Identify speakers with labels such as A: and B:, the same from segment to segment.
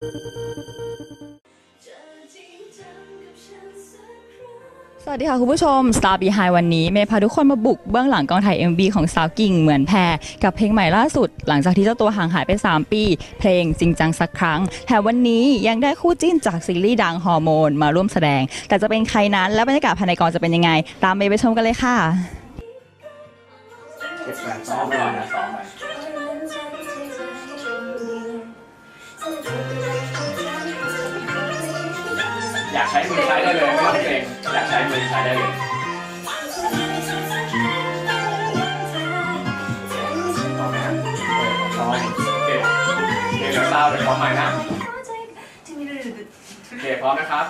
A: สวัสดีค่ะคุณผู้ชม Star Behind วันนี้เมย์พาทุกคนมาบุกเบื้องหลังกองถ่าย MV ของสาวกิ่งเหมือนแพรกับเพลงใหม่ล่าสุดหลังจากที่เจ้าตัวห่างหายไป3ปีเพลงจริงจังสักครั้งแถมวันนี้ยังได้คู่จิ้นจากซีรีส์ดังฮอร์โมนมาร่วมแสดงแต่จะเป็นใครนั้นและบรรยากาศภายในกองจะเป็นยังไงตามเมย์ไปชมกันเลยค่ะ
B: ซ้อมเลยนะซ้อมไปอยากใช้มือใช้ได้เลยไม่ต้องเกรงอยากใช้มือใช้ได้เลยพร้อมไหมครับพร้อมโอเคเดี๋ยวซาวเดี๋ยวพร้อมไหมนะโอเคพร้อมนะครับ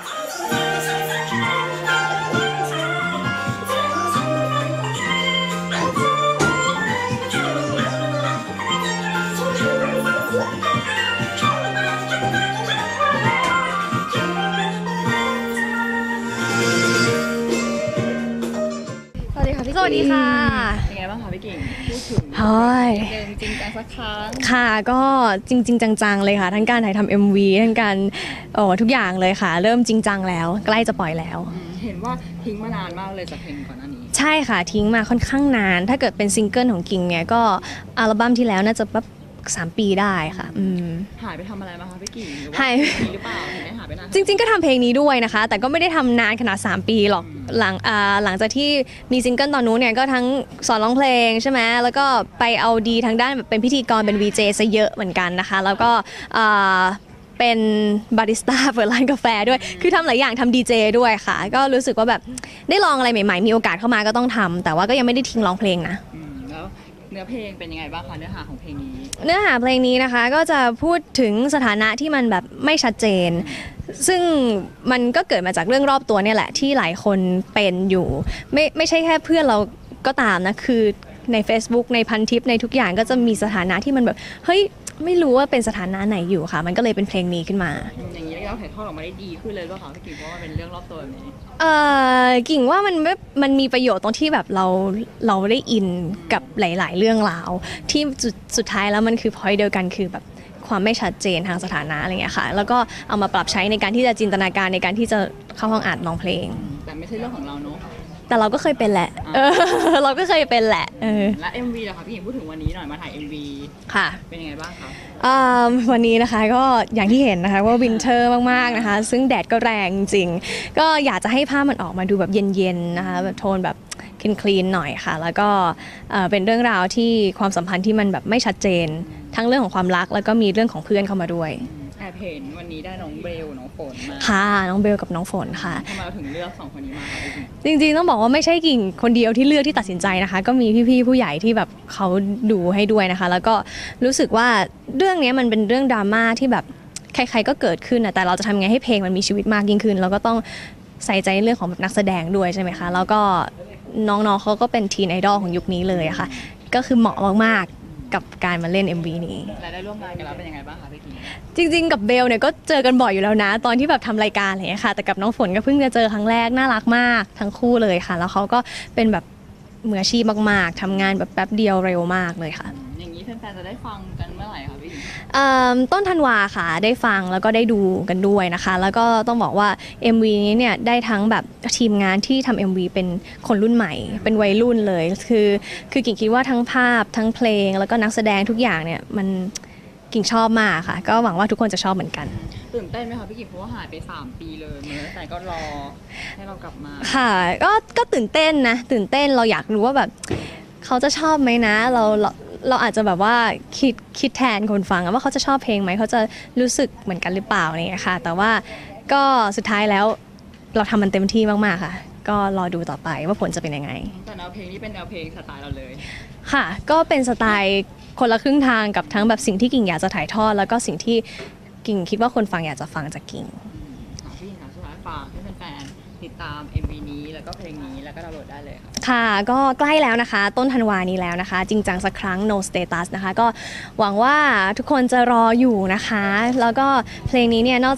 A: สวัสดีค่ะ
C: เป็นไงบ้างคะพี่กิ่งพูดถึงเดิมจริงจังสักครั้ง
A: ค่ะก็จริงจังๆเลยค่ะทั้งการถ่ายทำ MV ทั้งการทุกอย่างเลยค่ะเริ่มจริงจังแล้วใกล้จะปล่อยแล้ว
C: เห็นว่าทิ้งมานานมากเลยจากเพลงก่อนหน้านี้
A: ใช่ค่ะทิ้งมาค่อนข้างนานถ้าเกิดเป็นซิงเกิลของกิ่งเนี่ยก็อัลบั้มที่แล้วน่าจะปั๊บ3 ปีได้ค่ะ
C: หายไปทำอะไรมาคะพี่กิ่ง
A: หาย
C: หรือเปล่าเห็นไหมหายไปนาน
A: จริงๆก็ทำเพลงนี้ด้วยนะคะแต่ก็ไม่ได้ทำนานขนาด3 ปีหรอกหลังจากที่มีซิงเกิลตอนนู้นเนี่ยก็ทั้งสอนร้องเพลงใช่ไหมแล้วก็ไปเอาดีทางด้านแบบเป็นพิธีกรเป็น VJ ซะเยอะเหมือนกันนะคะแล้วก็เป็นบาริสต้าเปิดร้านกาแฟด้วยคือทำหลายอย่างทำดีเจด้วยค่ะก็รู้สึกว่าแบบได้ลองอะไรใหม่ๆมีโอกาสเข้ามาก็ต้องทำแต่ว่าก็ยังไม่ได้ทิ้งร้องเพลงนะ
C: แล้วเนื้อเพลงเป็นยังไงบ้างคะเนื้อหาของเพลงนี้
A: เนื้อหาเพลงนี้นะคะก็จะพูดถึงสถานะที่มันแบบไม่ชัดเจนซึ่งมันก็เกิดมาจากเรื่องรอบตัวเนี่ยแหละที่หลายคนเป็นอยู่ไม่ใช่แค่เพื่อนเราก็ตามนะคือใน Facebook ในพันทิปในทุกอย่างก็จะมีสถานะที่มันแบบเฮ้ยไม่รู้ว่าเป็นสถานะไหนอยู่ค่ะมันก็เลยเป็นเพลงนี้ขึ้นมา
C: อย่างนี้เราถ่ายทอดออกมาได้ดีขึ้นเลยป่ะคะพี่กิ่งเพราะว่าเป็นเรื่องรอบตัวแบบนี้
A: กิ่งว่ามันมีประโยชน์ตรงที่แบบเราได้อินกับหลายๆเรื่องราวที่สุดท้ายแล้วมันคือ point เดียวกันคือแบบความไม่ชัดเจนทางสถานะอะไรเงี้ยค่ะแล้วก็เอามาปรับใช้ในการที่จะจินตนาการในการที่จะเข้าห้องอัดร้องเพลง
C: แต่ไม่ใช่เรื่องของเราเนาะ
A: แต่เราก็เคยเป็นแหละเราก็เคยเป็นแหละ
C: และ MV ล่ะคะพี่หญิงพูดถึงวันนี้หน่อยมาถ่าย MV
A: ค่ะ
C: เป็นยังไงบ้างคะ
A: วันนี้นะคะก็อย่างที่เห็นนะคะว่าวินเทอร์มากๆนะคะซึ่งแดดก็แรงจริงก็อยากจะให้ภาพมันออกมาดูแบบเย็นๆนะคะแบบโทนแบบคลีนหน่อยค่ะแล้วก็เป็นเรื่องราวที่ความสัมพันธ์ที่มันแบบไม่ชัดเจนทั้งเรื่องของความรักแล้วก็มีเรื่องของเพื่อนเข้ามาด้วย
C: แอบเห็นวันนี้ได้น้องเบลน้องฝนมา
A: ค่ะน้องเบลกับน้องฝนค่ะ
C: ทำไมเราถึงเลือก2 คนนี้มาคะ
A: จริงๆต้องบอกว่าไม่ใช่กิ่งคนเดียวที่เลือกที่ตัดสินใจนะคะก็มีพี่ๆผู้ใหญ่ที่แบบเขาดูให้ด้วยนะคะแล้วก็รู้สึกว่าเรื่องนี้มันเป็นเรื่องดราม่าที่แบบใครๆก็เกิดขึ้นนะแต่เราจะทำไงให้เพลงมันมีชีวิตมากยิ่งขึ้นแล้วก็ต้องใส่ใจเรื่องของนักแสดงด้วยใช่ไหมคะแล้วก็น้องๆเขาก็เป็นทีนไอดอลของยุคนี้เลยค่ะก็คือเหมาะมากๆกับการมาเล่น MV นี้
C: และได้ร่วมงานกันแล้วเป็นยังไงบ้างคะพี่กิ่
A: งจริงๆกับเบลเนี่ยก็เจอกันบ่อยอยู่แล้วนะตอนที่แบบทำรายการอะไรอย่างเงี้ยค่ะแต่กับน้องฝนก็เพิ่งจะเจอครั้งแรกน่ารักมากทั้งคู่เลยค่ะแล้วเขาก็เป็นแบบมืออาชีพมากๆทำงานแบบแป๊บเดียวเร็วมากเลยค่ะ
C: อย่างนี้แฟนๆจะได้ฟังกันเมื่อไหร่คะพี่
A: ต้นธันวาค่ะได้ฟังแล้วก็ได้ดูกันด้วยนะคะแล้วก็ต้องบอกว่า MV นี้เนี่ยได้ทั้งแบบทีมงานที่ทำ MV เป็นคนรุ่นใหม่เป็นวัยรุ่นเลยคือกิ่งคิดว่าทั้งภาพทั้งเพลงแล้วก็นักแสดงทุกอย่างเนี่ยมันกิ่งชอบมากค่ะก็หวังว่าทุกคนจะชอบเหมือนกัน
C: ตื่นเต้นไหมคะพี่กิ่งเพราะว่าหายไป3 ปีเลยเมื่อแต่ก็รอให้เรากลับมา
A: ค่ะก็ตื่นเต้นนะตื่นเต้นเราอยากรู้ว่าแบบเขาจะชอบไหมนะเราอาจจะแบบว่าคิดแทนคนฟังว่าเขาจะชอบเพลงไหมเขาจะรู้สึกเหมือนกันหรือเปล่าอะไรอย่างเงี้ยค่ะแต่ว่าก็สุดท้ายแล้วเราทำมันเต็มที่มากๆค่ะก็รอดูต่อไปว่าผลจะเป็นยังไง
C: แต่แนวเพลงนี้เป็นแนวเพลงสไตล์เราเลย
A: ค่ะก็เป็นสไตล์คนละครึ่งทางกับทั้งแบบสิ่งที่กิ่งอยากจะถ่ายทอดแล้วก็สิ่งที่กิ่งคิดว่าคนฟังอยากจะฟังจากกิ่ง
C: พี่ค่ะสุดท้ายฝากให้แฟนๆติดตาม MV นี้แล้วก็เพลงนี้แล้วก็ดาวน์โหลดได้เลย
A: ค่ะก็ใกล้แล้วนะคะต้นธันวานี้แล้วนะคะจริงจังสักครั้ง No Status นะคะก็หวังว่าทุกคนจะรออยู่นะคะแล้วก็เพลงนี้เนี่ยนอกจาก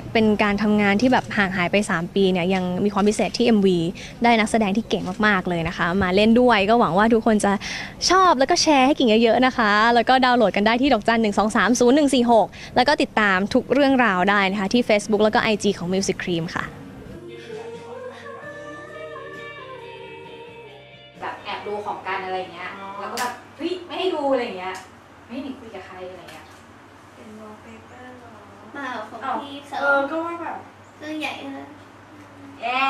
A: เป็นการทำงานที่แบบห่างหายไป3 ปีเนี่ยยังมีความพิเศษที่ MV ได้นักแสดงที่เก่งมากๆเลยนะคะ มาเล่นด้วยก็หวังว่าทุกคนจะชอบแล้วก็แชร์ให้กิ่งเยอะๆนะคะแล้วก็ดาวน์โหลดกันได้ที่ดอกจัน1230146แล้วก็ติดตามทุกเรื่องราวได้นะคะที่ Facebook แล้วก็ IG ของ Music Cream ค่ะ
D: แบบแอบดูของกันอะไรเงี้ยแล้วก็แบบเฮ้ยไม่ให้ดูอะไรเงี้ยไม่ให้หนิคุยกับใครอะไรเงี้ย
E: เป็นวอลเปเปอร์หรอ
F: มาของพี่เส
E: ก็ว่าแบบ
F: เรื่องใหญ่นะ
D: แย่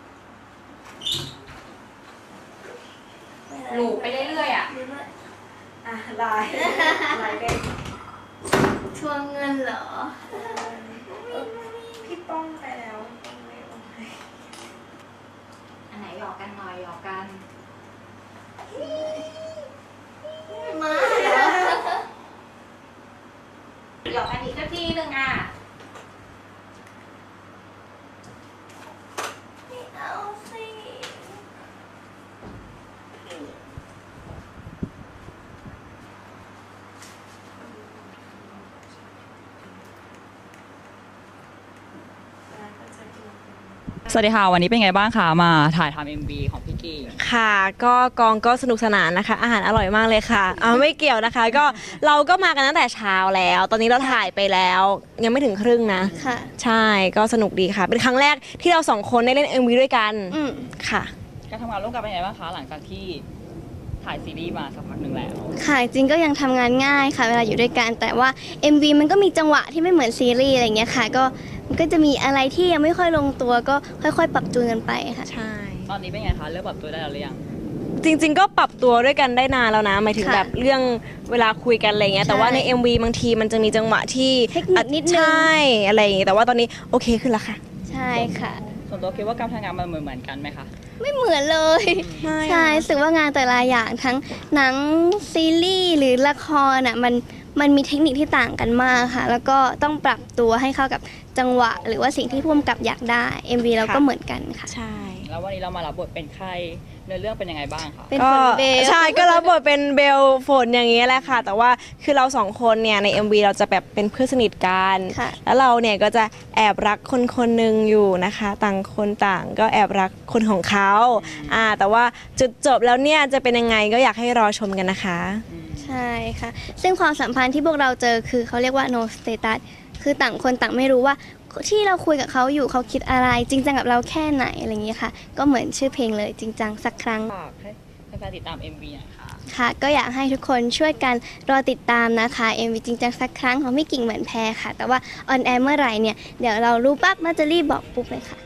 D: หลูไปเรื่อยๆอ่ะ
E: อ่ะลายเด็ก
F: ทวงเงินเหรอ
E: พี่ป้องไปแล้วป้องไม่โอเค
D: อันไหนหยอกกันหน่อยหยอกกัน
F: มาเหรอ
D: หยอกกันอีกสักทีนึงอ่ะ
F: ไม่เอาสิ
C: สวัสดีค่ะวันนี้เป็นไงบ้างคะมาถ่ายทำ MV ของพี่กิ่ง
E: ค่ะก็กองก็สนุกสนานนะคะอาหารอร่อยมากเลยค่ะไม่เกี่ยวนะคะก็เราก็มากันตั้งแต่เช้าแล้ว ตอนนี้เราถ่ายไปแล้วยังไม่ถึงครึ่งนะ
F: ค่ะ
E: ใช่ก็สนุกดีค่ะเป็นครั้งแรกที่เรา2 คนได้เล่น MV ด้วยกันค่ะ
C: การทำงานร่วมกันเป็นไงบ้างคะหลังจากที่ถ่ายซีรีส์มาสักพักหนึ่งแล้ว
F: ค่ะจริงก็ยังทำงานง่ายค่ะเวลาอยู่ด้วยกันแต่ว่า MV มันก็มีจังหวะที่ไม่เหมือนซีรีส์อะไรเงี้ยค่ะก็มันก็จะมีอะไรที่ยังไม่ค่อยลงตัวก็ค่อยๆ ปรับจูนกันไปค่ะ
E: ใช่
C: ตอนนี้เป็นไงคะเริ่มปรับตัวได้แล้วหรือยัง
E: จริงๆก็ปรับตัวด้วยกันได้นานแล้วนะหมายถึง
F: ค่ะ
E: แบบเรื่องเวลาคุยกันอะไรเงี้ย
F: ใช่
E: แต่ว่าใน MV บางทีมันจะมีจังหวะที่
F: เทคนิคนิดนึง
E: ใช่อะไรอย่างงี้แต่ว่าตอนนี้โอเคขึ้นแล้วค่ะ
F: ใช่ค่ะ
C: ส่วนตัวคิดว่าการทำงานมันเหมือนกันไหมคะ
F: ไม่เหมือนเลย
E: ไม่
F: ใช่รู้สึกว่างานแต่ละอย่างทั้งหนังซีรีส์หรือละครอ่ะมันมีเทคนิคที่ต่างกันมากค่ะ แล้วก็ต้องปรับตัวให้เข้ากับจังหวะ หรือว่าสิ่งที่ผู้กำกับอยากได้ MV เราก็เหมือนกันค่ะ
E: ใช่
C: แล้ววันนี้เรามารับบทเป็นใครเนื้อเรื่องเป็นยังไงบ้างคะ
F: เป็น
E: ก็
F: ฝนเบล
E: ใช่ก็รับบทเป็นเบลฝนอย่างนี้แหละค่ะ แต่ว่าคือเรา2 คนเนี่ยใน MV เราจะแบบเป็นเพื่อนสนิทกัน
F: ค่ะ
E: แล้วเราเนี่ยก็จะแอบรักคนคนหนึ่งอยู่นะคะ ต่างคนต่างก็แอบรักคนของเขาแต่ว่าจุดจบแล้วเนี่ยจะเป็นยังไงก็อยากให้รอชมกันนะคะ
F: ใช่ค่ะ ซึ่งความสัมพันธ์ที่พวกเราเจอคือเขาเรียกว่า no status คือต่างคนต่างไม่รู้ว่าที่เราคุยกับเขาอยู่เขาคิดอะไรจริงจังกับเราแค่ไหนอะไรอย่างนี้ค่ะ ก็เหมือนชื่อเพลงเลยจริงจังสักครั้ง
C: ฝากให้แฟนๆติดตาม MV หน่อยค่ะ
F: ค่ะ ก็อยากให้ทุกคนช่วยกันรอติดตามนะคะ MV จริงจังสักครั้งของพี่กิ่งเหมือนแพรค่ะ แต่ว่าออนแอร์เมื่อไหร่เนี่ยเดี๋ยวเรารู้ปั๊บน่าจะรีบบอกปุ๊บเลยค่ะ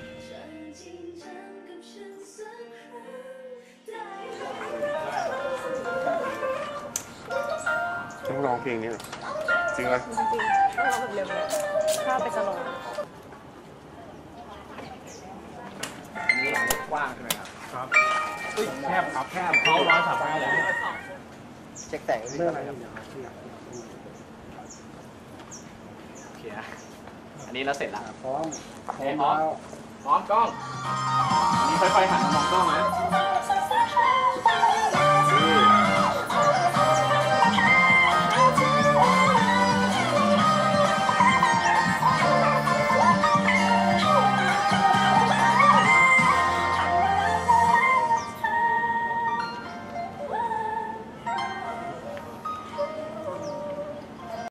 B: ต้องร้องเพลงนี้เหรอจริงไหม
E: ข้าวไปสโลว์
B: นี่กว้างใช่ไหมครับครับแคบครับแคบเขา135เลยเช็คแต่งเรื่องอะไรครับโอเคนะอันนี้เราเสร็จแล้วพร้อมกล้องอันนี้ค่อยๆหันมามองกล้องนะ